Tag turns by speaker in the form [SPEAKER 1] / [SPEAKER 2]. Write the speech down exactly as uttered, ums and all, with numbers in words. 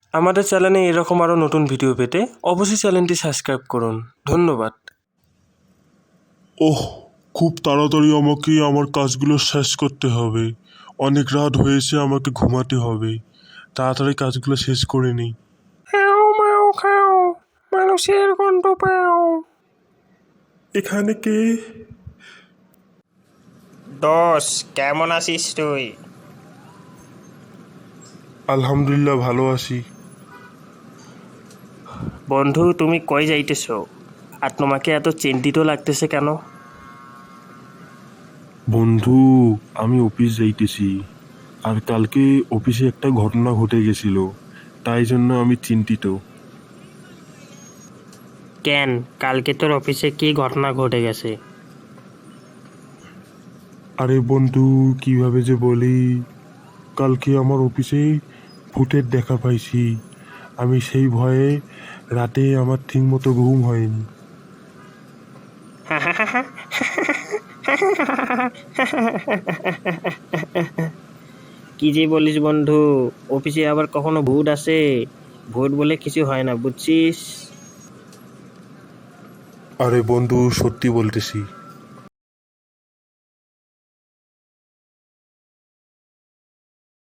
[SPEAKER 1] আমাদের চ্যানেলে এরকম আরও নতুন ভিডিও পেতে অবশ্যই চ্যানেলটি সাবস্ক্রাইব করুন। ধন্যবাদ।
[SPEAKER 2] ওহ, খুব তাড়াতাড়ি আমাকে আমার কাজগুলো শেষ করতে হবে। অনেক রাত হয়েছে, আমাকে ঘুমাতে হবে। তাড়াতাড়ি কাজগুলো শেষ করে নিই।
[SPEAKER 1] খাও মাও খাও, মানুষের গন্ধ পাও।
[SPEAKER 2] এখানে কে?
[SPEAKER 3] দোষ, কেমন আছিস তুই?
[SPEAKER 2] আলহামদুলিল্লাহ, ভালো আছি।
[SPEAKER 1] বন্ধু, তুমি কই যাইতেছ আর তোমাকে এত চিন্তিত লাগতেছে কেন?
[SPEAKER 2] বন্ধু, আমি অফিস যাইতেছি, আর কালকে অফিসে একটা ঘটনা ঘটে গেছিল, তাই জন্য আমি চিন্তিত।
[SPEAKER 1] কেন, কালকে তোর অফিসে কি ঘটনা ঘটে গেছে?
[SPEAKER 2] আরে বন্ধু, কিভাবে যে বলি, কালকে আমার অফিসে ভূতের দেখা পাইছি। আমি সেই ভয়ে রাতে আমার ঠিক মতো ঘুম হয়নি।
[SPEAKER 1] কি যে বলিস বন্ধু, অফিসে আবার কখনো ভূত আসে? ভূত বলে কিছু হয় না, বুঝছিস?
[SPEAKER 2] আরে বন্ধু, সত্যি বলতেছি।